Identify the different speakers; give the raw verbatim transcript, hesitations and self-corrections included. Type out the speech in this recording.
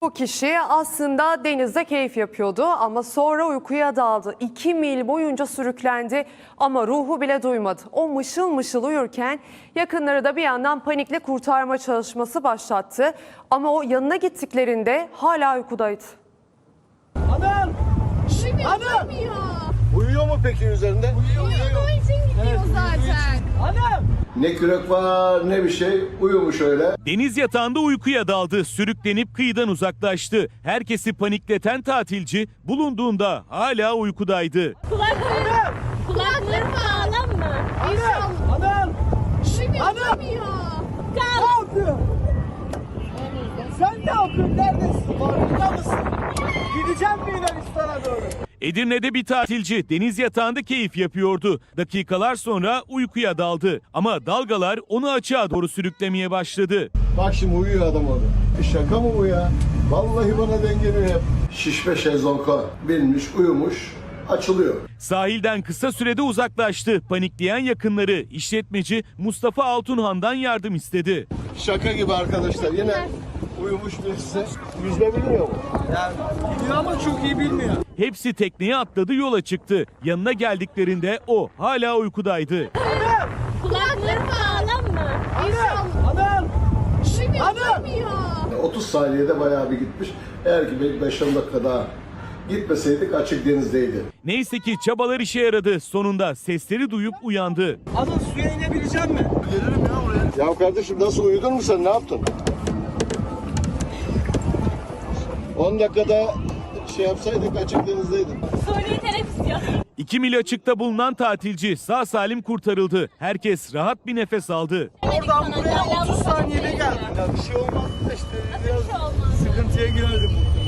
Speaker 1: Bu kişi aslında denizde keyif yapıyordu ama sonra uykuya daldı. İki mil boyunca sürüklendi ama ruhu bile duymadı. O mışıl mışıl uyurken yakınları da bir yandan panikle kurtarma çalışması başlattı. Ama o yanına gittiklerinde hala uykudaydı.
Speaker 2: Anam!
Speaker 3: Uyumuyor,
Speaker 2: Anam!
Speaker 3: uyumuyor.
Speaker 2: Uyuyor mu peki üzerinde? Uyuyor,
Speaker 3: Uyuduğu için gidiyor zaten.
Speaker 2: Anam!
Speaker 4: Ne kürek var ne bir şey, uyumuş öyle.
Speaker 5: Deniz yatağında uykuya daldı, sürüklenip kıyıdan uzaklaştı. Herkesi panikleten tatilci bulunduğunda hala uykudaydı.
Speaker 3: Kulakları, kulakları bağlam mı?
Speaker 2: Anam! Anam!
Speaker 3: Uyumuyor,
Speaker 2: Anam!
Speaker 3: uyumuyor.
Speaker 2: Ne
Speaker 3: Kal.
Speaker 2: yapıyor? Sen ne yapıyorsun? Neredesin? Farkında mısın? Gideceğim mi Yunanistan'a doğru?
Speaker 5: Edirne'de bir tatilci deniz yatağında keyif yapıyordu. Dakikalar sonra uykuya daldı. Ama dalgalar onu açığa doğru sürüklemeye başladı.
Speaker 4: Bak şimdi uyuyor adam orada. Bir şaka mı bu ya? Vallahi bana dengeliyor hep. Şişme şezlonga binmiş, uyumuş, açılıyor.
Speaker 5: Sahilden kısa sürede uzaklaştı. Panikleyen yakınları işletmeci Mustafa Altunhan'dan yardım istedi.
Speaker 4: Şaka gibi arkadaşlar. Yine uyumuş birisi. Yüzme bilmiyor mu?
Speaker 2: Yani biliyor ama çok iyi bilmiyor.
Speaker 5: Hepsi tekneye atladı, yola çıktı. Yanına geldiklerinde o hala uykudaydı.
Speaker 2: Anam!
Speaker 3: Kulakları bağlam mı?
Speaker 2: Anam! Anam!
Speaker 3: Uyumuyor,
Speaker 2: Anam!
Speaker 3: uyumuyor.
Speaker 4: otuz saniyede bayağı bir gitmiş. Eğer ki beş on dakika daha gitmeseydik açık denizdeydi.
Speaker 5: Neyse ki çabalar işe yaradı. Sonunda sesleri duyup uyandı.
Speaker 2: Anam suya inebilecek mi?
Speaker 4: Gelirim ya buraya. Ya kardeşim nasıl uyudun mu sen? Ne yaptın? on dakikada şey yapsaydık açık denizdeydik.
Speaker 3: Soruyu teneffüs yok.
Speaker 5: İki mil açıkta bulunan tatilci sağ salim kurtarıldı. Herkes rahat bir nefes aldı.
Speaker 2: Oradan buraya otuz saniyede geldim. Ya bir şey olmaz da işte biraz sıkıntıya girerdim.